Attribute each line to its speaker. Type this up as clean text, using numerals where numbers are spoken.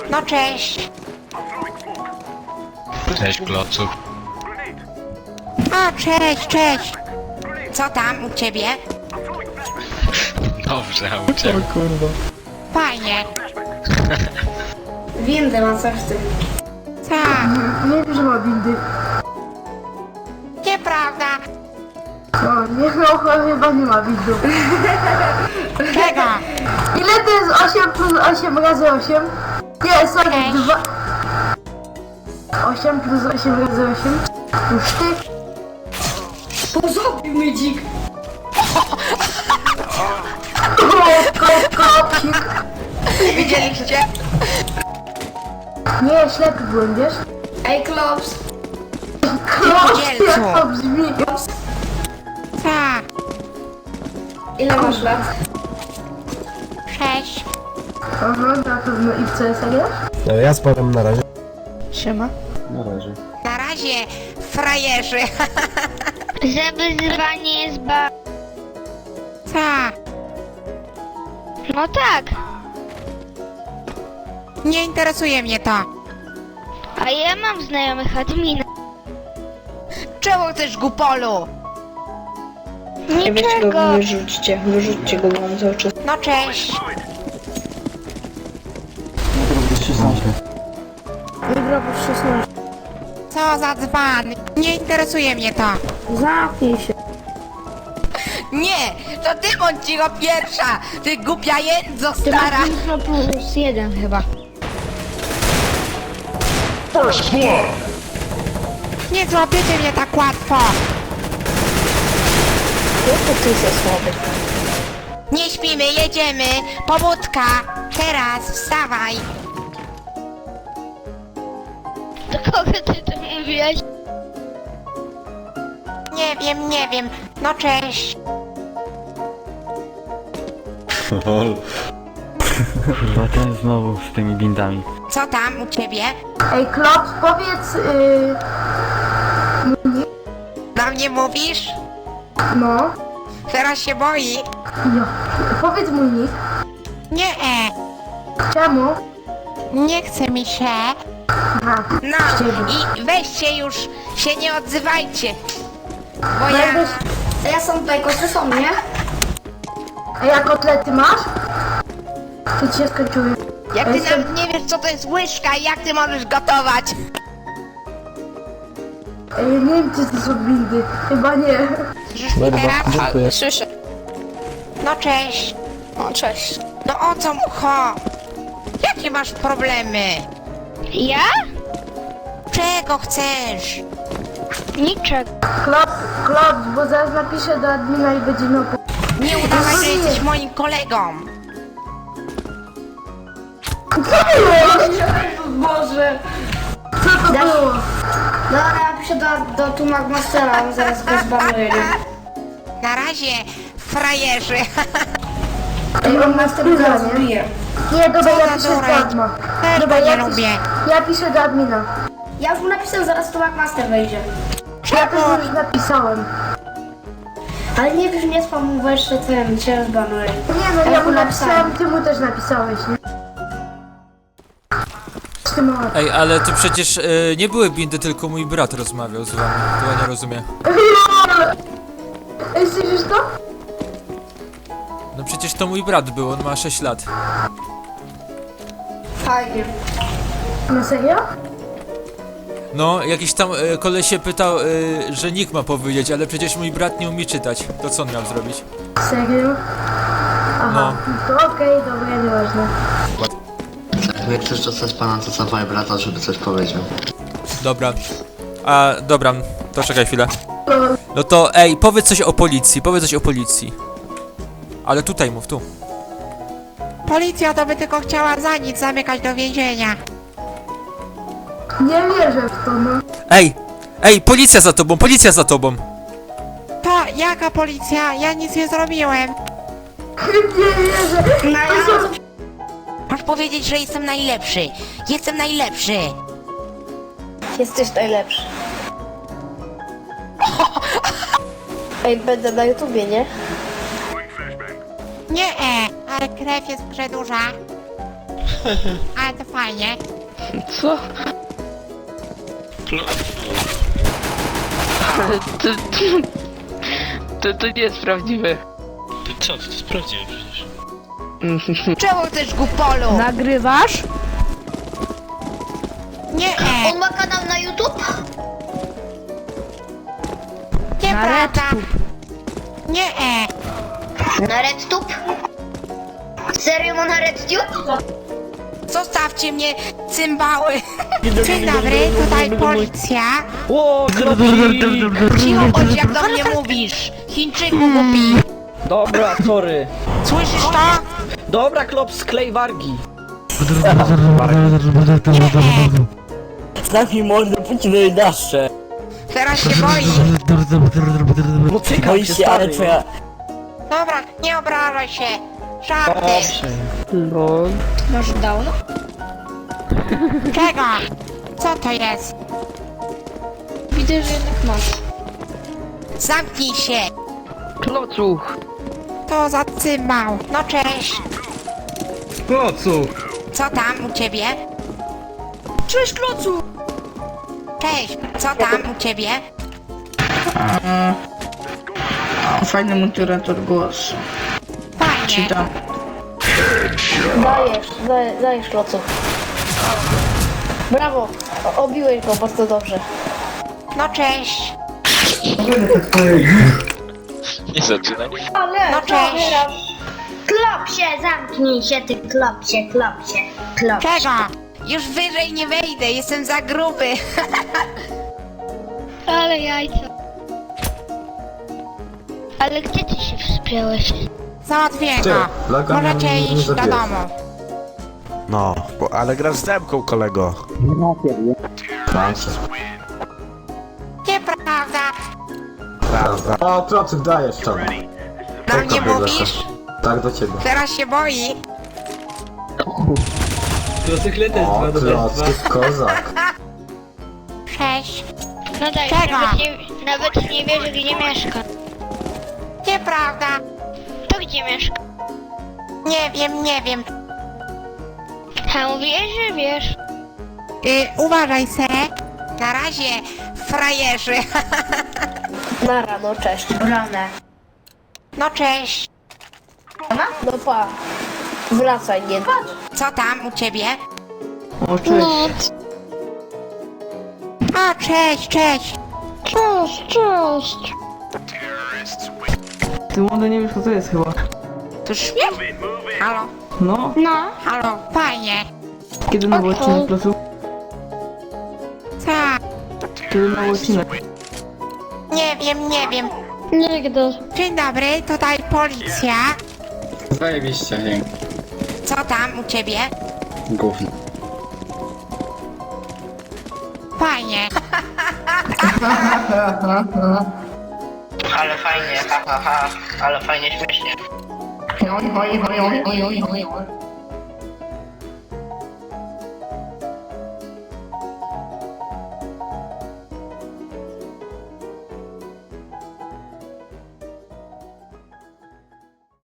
Speaker 1: No cześć.
Speaker 2: Cześć, klocu.
Speaker 1: O, cześć, cześć. Co tam u ciebie?
Speaker 2: Dobrze, a u ciebie?
Speaker 1: Fajnie.
Speaker 3: Windę ma coś w tym.
Speaker 1: Tak,
Speaker 4: Nie wiem, że ma windy.
Speaker 1: nieprawda.
Speaker 4: No, nie, no chyba nie ma windu.
Speaker 1: Czego?
Speaker 4: Ile to jest 8 plus 8 razy 8? Nie, sorry,
Speaker 1: Cześć.
Speaker 4: 2. 8 plus 8 razy 8? Już ty.
Speaker 3: Pozobił mnie dzik.
Speaker 4: Kopcik.
Speaker 1: Widzieliście?
Speaker 4: Nie, ślepy byłem, wiesz?
Speaker 3: Ej, Klops.
Speaker 4: Kopcik, jak
Speaker 1: Dzielco.
Speaker 4: to brzmi.
Speaker 1: Tak,
Speaker 3: Ile masz lat?
Speaker 1: 6.
Speaker 4: Aha, na pewno i w CS grasz?
Speaker 5: Ja spadam na razie.
Speaker 4: Siema.
Speaker 1: Na razie, frajerzy.
Speaker 6: Że wyzwanie jest
Speaker 1: Tak,
Speaker 6: No tak,
Speaker 1: nie interesuje mnie to.
Speaker 6: a ja mam znajomych admina.
Speaker 1: Czemu chcesz gupolu?
Speaker 6: Niczego.
Speaker 3: Wyrzućcie go, bo on cały czas.
Speaker 1: No cześć.
Speaker 4: Wygrał po 16.
Speaker 1: Co za dzban? Nie interesuje mnie to.
Speaker 4: Zamknij się.
Speaker 1: Nie, to ty bądź cicho pierwsza. Ty głupia jędzo stara.
Speaker 6: No plus 1 chyba.
Speaker 1: Nie złapiecie mnie tak łatwo.
Speaker 3: Ty jesteś słaby.
Speaker 1: Nie śpimy, jedziemy. Pobudka. Teraz, wstawaj.
Speaker 6: Do kogo ty to mówiłeś?
Speaker 1: Nie wiem. No cześć.
Speaker 7: Kurwa, ten znowu z tymi bindami.
Speaker 1: Co tam u ciebie?
Speaker 4: Ej, Klops, powiedz...
Speaker 1: Do mnie mówisz?
Speaker 4: no.
Speaker 1: Teraz się boi.
Speaker 4: Ja. Powiedz mój nick.
Speaker 1: Nie,
Speaker 4: Czemu?
Speaker 1: nie chce mi się.
Speaker 4: Aha.
Speaker 1: No i weźcie już, się nie odzywajcie. Bo ja...
Speaker 4: Będziesz...
Speaker 3: A ja są tutaj, koty są, nie?
Speaker 4: A jak kotlety masz? To ci się skończyły.
Speaker 1: Jak ty
Speaker 4: Jestem-
Speaker 1: nawet nie wiesz co to jest łyżka i jak ty możesz gotować.
Speaker 4: Nie wiem, czy to są windy. Chyba nie.
Speaker 1: Słyszysz mnie teraz?
Speaker 3: Słyszę.
Speaker 1: No cześć.
Speaker 3: O, cześć.
Speaker 1: No o co mu chodzi? Jakie masz problemy?
Speaker 6: Ja?
Speaker 1: Czego chcesz?
Speaker 6: Niczego.
Speaker 4: Klops, bo zaraz napiszę do admina i będzie miał...
Speaker 1: Nie udawaj, że jesteś moim kolegą.
Speaker 3: Boże.
Speaker 4: Co to było?
Speaker 3: Dobra, ja piszę do Tumak Mastera, on zaraz go zbanuje, nie?
Speaker 1: Na razie, frajerzy.
Speaker 4: Ej, on
Speaker 3: Master
Speaker 4: wkurza,
Speaker 3: zaraz
Speaker 4: nie?
Speaker 3: bije.
Speaker 4: Nie, dobra,
Speaker 1: Co
Speaker 4: ja
Speaker 1: za
Speaker 4: piszę
Speaker 1: dureń.
Speaker 4: do adma.
Speaker 1: Też
Speaker 4: Dobra,
Speaker 1: go nie
Speaker 4: ja
Speaker 1: lubię.
Speaker 4: Ja piszę do admina.
Speaker 3: Ja już mu napisałem, zaraz Tumak Master wejdzie.
Speaker 4: Ja też już napisałem.
Speaker 3: Ale nie wiesz, nie spam, bo jeszcze ten cię zbanuje.
Speaker 4: Nie no, ja mu napisałem, ty mu też napisałeś, nie? Ty mała.
Speaker 8: Ej, ale to przecież nie były bindy, tylko mój brat rozmawiał z wami. To ja nie rozumiem.
Speaker 4: Ej, słyszysz to?
Speaker 8: No przecież to mój brat był, on ma 6 lat.
Speaker 3: Fajnie.
Speaker 4: Na serio?
Speaker 8: No, jakiś tam koleś się pytał, że nick ma powiedzieć, ale przecież mój brat nie umie czytać. To co on miał zrobić?
Speaker 4: Serio? Aha, to okej, dobra, nieważne.
Speaker 9: Jak chcesz dostać pana, to zawaj brata, żeby coś powiedział.
Speaker 8: Dobra. A, dobra, to czekaj chwilę.
Speaker 4: No,
Speaker 8: No to, ej, powiedz coś o policji, powiedz coś o policji. Ale tutaj mów, tu.
Speaker 1: Policja to by tylko chciała za nic zamykać do więzienia.
Speaker 4: nie wierzę w to, no.
Speaker 8: Ej! Ej, policja za tobą, policja za tobą!
Speaker 1: To jaka policja? Ja nic nie zrobiłem.
Speaker 4: Nie wierzę.
Speaker 3: No ja...
Speaker 1: Masz powiedzieć, że jestem najlepszy. Jestem najlepszy.
Speaker 3: Jesteś najlepszy. Ej, będę na YouTubie, nie?
Speaker 1: Nie, ale krew jest przedłuża. Ale to fajnie.
Speaker 2: Co? Ale to nie jest prawdziwe.
Speaker 5: Co? To jest prawdziwe przecież.
Speaker 1: Czemu chcesz Gupolu?
Speaker 4: Nagrywasz?
Speaker 1: Nie,
Speaker 3: On ma kanał na YouTube?
Speaker 1: nieprawda. Nie,
Speaker 3: Na RedTube? Serio ma na RedTube?
Speaker 1: zostawcie mnie, cymbały. Dzień dobry, tutaj policja.
Speaker 10: O, kropi!
Speaker 1: Cicho bądź, jak do mnie mówisz. Chińczyku głupi.
Speaker 10: Dobra, sorry.
Speaker 1: Słyszysz to?
Speaker 10: Dobra, klop, sklej wargi.
Speaker 11: Zamknij mordę, pójdź wydaszcze.
Speaker 1: Teraz się boi.
Speaker 10: No cykam
Speaker 11: Boi
Speaker 10: się,
Speaker 11: się, ale
Speaker 10: stary.
Speaker 11: twoja...
Speaker 1: Dobra, nie obrażaj się. Żarty.
Speaker 10: Dobrze.
Speaker 2: Lol.
Speaker 6: Masz downa?
Speaker 1: Czego? Co to jest?
Speaker 6: Widzę, że jednak masz.
Speaker 1: Zamknij się.
Speaker 2: Klocuch.
Speaker 1: To za cymbał. No cześć.
Speaker 10: Klocu.
Speaker 1: Co tam u ciebie?
Speaker 4: Cześć, Klocu!
Speaker 1: Cześć. Co tam u ciebie?
Speaker 2: Fajny moderator głos.
Speaker 1: Fajnie.
Speaker 3: Dajesz Klocu. Brawo, obiłeś go bardzo dobrze.
Speaker 1: No cześć.
Speaker 5: Nie zaczynaj.
Speaker 1: No cześć.
Speaker 3: Klopsie, zamknij się ty, klopsie.
Speaker 1: Czego? Już wyżej nie wejdę, jestem za gruby.
Speaker 6: Ale jajca. Ale gdzie ty się wspiąłeś?
Speaker 1: Załatwię go. Możecie iść do domu.
Speaker 12: No, ale grasz z demką, kolego.
Speaker 9: Mam się.
Speaker 1: Nieprawda.
Speaker 12: Prawda.
Speaker 9: O, Klocyk, dajesz to.
Speaker 1: Do mnie mówisz?
Speaker 9: Tak, do ciebie.
Speaker 1: Teraz się boi.
Speaker 10: Klocyk też
Speaker 9: O,
Speaker 10: dwa do
Speaker 9: Klocyk, kozak.
Speaker 1: Cześć.
Speaker 6: No daj,
Speaker 1: Czego?
Speaker 6: nawet nie wiesz, gdzie mieszka.
Speaker 1: Nieprawda.
Speaker 6: To gdzie mieszka?
Speaker 1: Nie wiem.
Speaker 6: A mówiłeś, że wiesz.
Speaker 1: Uważaj se. Na razie, frajerzy.
Speaker 3: Nara, no cześć. Brane.
Speaker 1: No cześć.
Speaker 3: No pa. Wracaj, nie.
Speaker 1: Co tam u ciebie?
Speaker 2: O, cześć.
Speaker 1: A, cześć.
Speaker 6: Cześć.
Speaker 2: Ty młody nie wiesz, co to jest chyba.
Speaker 1: To śmiech? Halo?
Speaker 2: No,
Speaker 1: Halo, fajnie.
Speaker 2: kiedy nowy odcinek, Klocu?
Speaker 1: Co?
Speaker 2: Kiedy nowy odcinek?
Speaker 1: Nie wiem.
Speaker 6: Nigdy.
Speaker 1: Dzień dobry, tutaj policja.
Speaker 9: Zajebiście, nie.
Speaker 1: Co tam u ciebie?
Speaker 9: Gówno.
Speaker 1: Fajnie.
Speaker 11: Ale fajnie, ha, ha, ha. Ale fajnie, śmiesznie.